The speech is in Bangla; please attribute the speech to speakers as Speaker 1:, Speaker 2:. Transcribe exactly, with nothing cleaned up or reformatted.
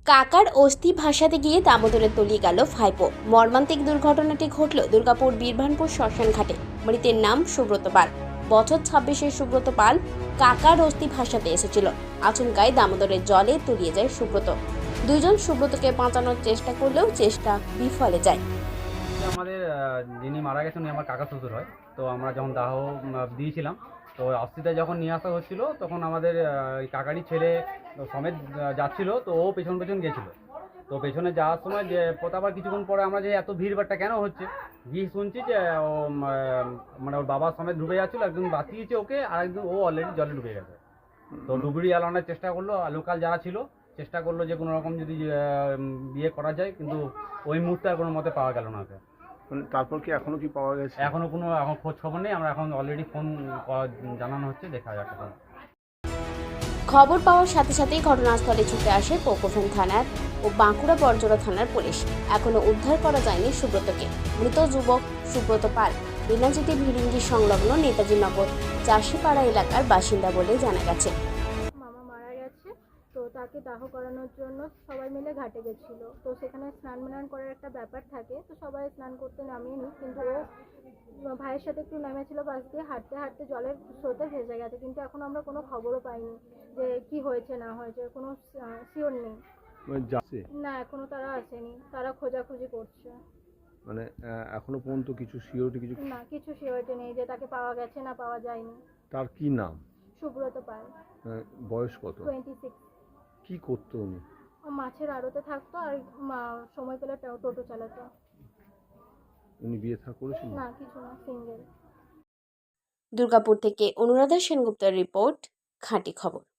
Speaker 1: কাকার অস্থি ভাসাতে গিয়ে দামোদরে তলিয়ে গেল ভাইপো। মর্মান্তিক দুর্ঘটনাটি ঘটল দুর্গাপুর বীরভানপুর শ্মশান ঘাটে। মৃতের নাম সুব্রত পাল। বছর ছাব্বিশের সুব্রত পাল কাকার অস্থি ভাসাতে এসেছিল। আচমকায় দামোদরের জলে তলিয়ে যায় সুব্রত। দুইজন সুব্রতকে বাঁচানোর চেষ্টা করলেও চেষ্টা বিফলে যায়।
Speaker 2: আমাদের যিনি মারা গেছেন উনি আমার কাকা শ্বশুর হয়। তো আমরা যখন দাহ দিয়েছিলাম, তো অস্থিটা যখন নিয়ে আসা হচ্ছিল তখন আমাদের কাকারই ছেলে সমেত যাচ্ছিল। তো ও পেছন পেছন গেছিলো। তো পেছনে যাওয়ার সময় যে আবার কিছুক্ষণ পরে আমরা যে এত ভিড়ভাড়টা কেন হচ্ছে গিয়ে শুনছি যে ও মানে ওর বাবা সমেত ডুবে যাচ্ছিলো। একজন বাঁচিয়েছে ওকে, আর একজন ও অলরেডি জলে ডুবে গেছে। তো ডুবুরি আলানোর চেষ্টা করলো, লোকাল যারা ছিল চেষ্টা করলো যে কোনো রকম যদি বিয়ে করা যায়, কিন্তু ওই মুহূর্তে আর কোনো মতে পাওয়া গেল না।
Speaker 3: তারপর কি এখনো কি পাওয়া গেছে?
Speaker 2: এখনো কোনো এখন খোঁজ খবর নেই। আমরা এখন অলরেডি ফোন জানানো হচ্ছে, দেখা যাচ্ছে।
Speaker 1: খবর পাওয়ার সাথে সাথেই ঘটনাস্থলে ছুটে আসে পোকোফেন থানার ও বাঁকুড়া বরজোড়া থানার পুলিশ। এখনো উদ্ধার করা যায়নি সুব্রতকে। মৃত যুবক সুব্রত পাল বিনাজিতি ভিরিঙ্গি সংলগ্ন নেতাজি নগর চাষিপাড়া এলাকার বাসিন্দা বলে জানা গেছে।
Speaker 4: মামা মারা গেছে, তো তাকে দাহ করানোর জন্য সবাই মিলে ঘাটে গেছিল। তো সেখানে স্নান ম্নান করার একটা ব্যাপার থাকে, তো সবাই স্নান করতে নামেনি, কিন্তু ও ভাইয়ের সাথে একটু নেমেছিল পাশ দিয়ে, হাঁটতে হাঁটতে জলের স্রোতে ভেসে গেছে। কিন্তু এখন আমরা কোনো খবরও পাইনি যে কি হয়েছে না হয়েছে, কোনো শিওর নেই। না, এখনো তারা আসেনি, তারা খোঁজাখুঁজি করছে।
Speaker 3: মানে এখনো পর্যন্ত কিছু সিওরিটি কিছু
Speaker 4: না, কিছু সিওরিটি নেই যে তাকে পাওয়া গেছে না পাওয়া যায়নি।
Speaker 3: তার কি নাম?
Speaker 4: সুব্রত পাল।
Speaker 3: বয়স কত?
Speaker 4: Twenty six.
Speaker 3: কি করতো উনি?
Speaker 4: মাছের আড়তে থাকতো, আর সময় পেলে টোটো চালাতো।
Speaker 3: উনি বিয়ে থা করেছিল?
Speaker 4: না, কিছু না, সিঙ্গেল।
Speaker 1: দুর্গাপুর থেকে অনুরাধা সেনগুপ্তের রিপোর্ট, খাঁটি খবর।